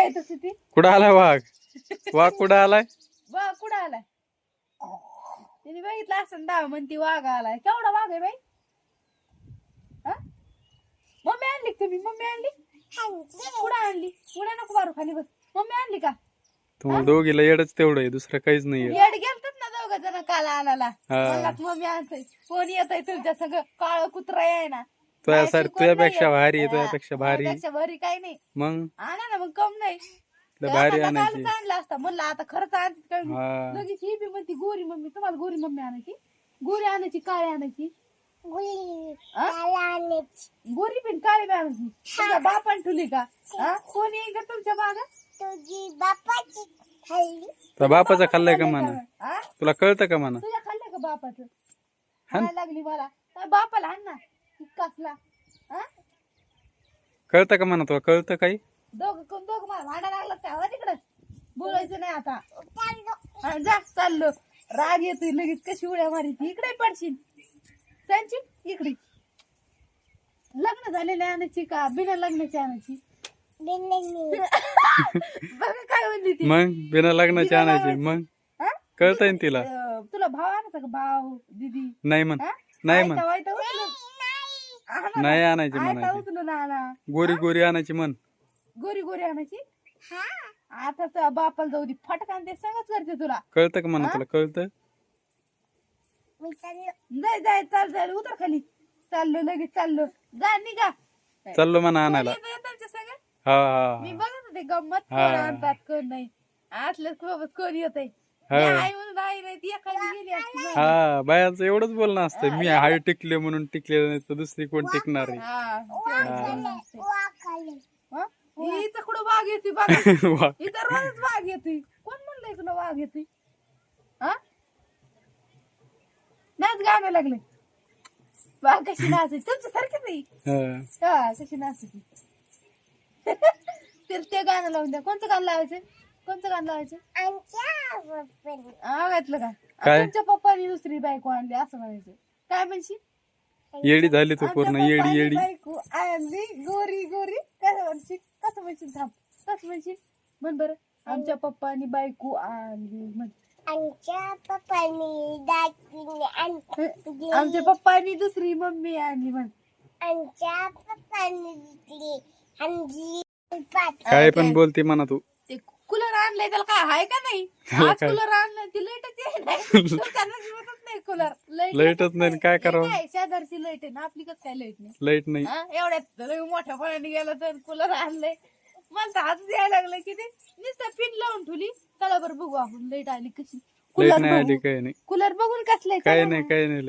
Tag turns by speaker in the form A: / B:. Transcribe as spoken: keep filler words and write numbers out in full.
A: काय तसं ती
B: कुठं आलाय वाघ? वाघ कुठं आलाय?
A: वाघ कुठं आलाय? तिने बघितलं असं दाव म्हणती वाघ आलाय. केवढा वाघ आहे बाई? हा? मम्मी आणली का तुम्ही? मम्मी आणली कुठं आणली? उड्या नको मारू खाली बस. मम्मी आणली का?
B: तुम्हाला दोघीला येडच तेवढं आहे, दुसरं काहीच नाहीये.
A: येड गेलतात ना दोघं जण काल आणायला.
B: हा.
A: मला मम्मी आणतोय. कोण येतय तुमच्या सगळं काळ कुत्रा आहे ना.
B: तुझ्या तुझ्यापेक्षा भारी आहे,
A: हा,
B: तुझ्यापेक्षा भारी.
A: माझ्यापेक्षा भारी काही नाही.
B: मग
A: आणा ना मग कम नाही.
B: तुला भारी
A: एखादा
B: आणायची.
A: कालच आणला असता म्हणलं आता खरंच आणते काय मी.
B: हा.
A: लगेच ही बी म्हणती गोरी मम्मी. तुम्हाला गोरी मम्मी आणायची? गोरी आणायची काळी आणायची? गोरी पण काळी बी आणायची? तुझ्या बापान ठुली का? हा? कोणी येईल का तुमच्या मागं?
C: तुझी बापाची खाल्ली.
B: तुझ्या बापाचं खाल्लंय का म्हणा?
A: हा?
B: तुला कळतं का म्हणा?
A: तुझ्या खाल्लं का बापाचं?
B: हाण.
A: खायला लागली मला. काय बापाला आण ना कसला. हा?
B: कळतं का म्हणा? तुला कळतं काही?
A: दोघं कोण दोघं मला भांडा लागला त्या हवा तिकडं. बोलायचं नाही आता. हा, जा चाललो. राग येतोय लगेच कशी उड्या मारायची. इकडे पडशील. त्यांची इकडे. लग्न झालेली आणायची का बिना लग्नाची आणायची? बघा काय म्हणली ती.
B: मग बिना लग्नाची
A: बिना
B: आणायची.
A: लग्नाची.
B: मग
A: हा?
B: कळतंय ना तिला?
A: अं, तुला भाव आणायचा का भाव दीदी?
B: नाही म्हण.
A: हा?
B: नाही
A: आयता
B: म्हण.
A: वायता उचलून. आणा ना.
B: नाही आणायची
A: आयता
B: म्हणायची.
A: उचलून आणा.
B: गोरी गोरी आणायची म्हण.
A: गोरी गोरी आणायची? आता तर बापाला जाऊ दे फटकान ते सगळंच करते तुला.
B: कळतं का म्हणा?
A: हा?
B: तुला कळतं?
A: जाय जाय चाल जाय उतर खाली. चाललो लगेच चाललो. जा निघा.
B: चाललो म्हणा आणायला.
A: कोण येतंय तुमच्या सगळं?
B: हा
A: मी
B: हा
A: बघत होते गंमत.
B: हा.
A: कोण आणतात कोण नाही. आतलं सोबत कोण येतंय.
B: हा.
A: आई म्हणून आई नाही ती एखादी गेली असती बघ.
B: हा बायांचं एवढंच बोलणं असतं. मी हाय टिकले म्हणून टिकले नाही तर दुसरी कोण टिकणार आहे?
A: हा, तेवढंच बोलणं असतंय.
C: खाल्ली.
A: हा? इथं कुठं वाघ येते बघा.
B: वा.
A: इथं रोजच वाघ येते. कोण म्हणलंय तुला वाघ येते? हा? नाच गाणं लागले. वाघ कशी नाचायची तुमच्या सारखीच आहे.
B: हा.
A: हा कशी नाचायची. तर ते गाणं लावून द्या. कोणतं गाणं लावायचं? कोणतं गाणं लावायचं?
C: आमच्या बापाने.
A: हा घातलं का?
B: काय?
A: तुमच्या पप्पानी दुसरी बायको आणली असं म्हणायचं. काय म्हणशी?
B: येडी झाली तू पूर्ण.
A: आमच्या
B: येडी
A: पप्पानी
B: येडी.
A: बायको आणली गोरी गोरी. कसं म्हणशील? कसं म्हणशील? थांब. कसं म्हणशील? म्हण बरं. आमच्या पप्पानी बायको आणली म्हण.
C: आमच्या पप्पाने दाखवली आणली.
A: आमच्या पप्पानी दुसरी मम्मी आणली म्हण.
C: आमच्या पप्पाने दिली आणली.
B: काय पण बोलते म्हणा तू.
A: ते कूलर आणलंय त्याला काय हाय का नाही?
B: त्याला
A: आज
B: काय?
A: कूलर आणलंय ती लाईटच आहे नाही. लोकांना जीवतच नाही कूलर.
B: लाईटच नाही, काय करावं?
A: काय शेजारची लाईट आहे ना आपली कसं काय लाईट नाही?
B: लाईट नाही.
A: हा? एवढ्यात लय मोठ्या फळाने गेला तर कूलर आणलंय. मला तर हात यायला लागलं की ते नुसतं पिन लावून ठेवली. चला बरं बघू आपण लाईट आली कशी.
B: लाईट
A: कूलर
B: नाही आली
A: बघू.
B: काही नाही.
A: कूलर बघून कसलंय
B: काही
A: चला
B: नाही
A: ना.
B: काही नाही.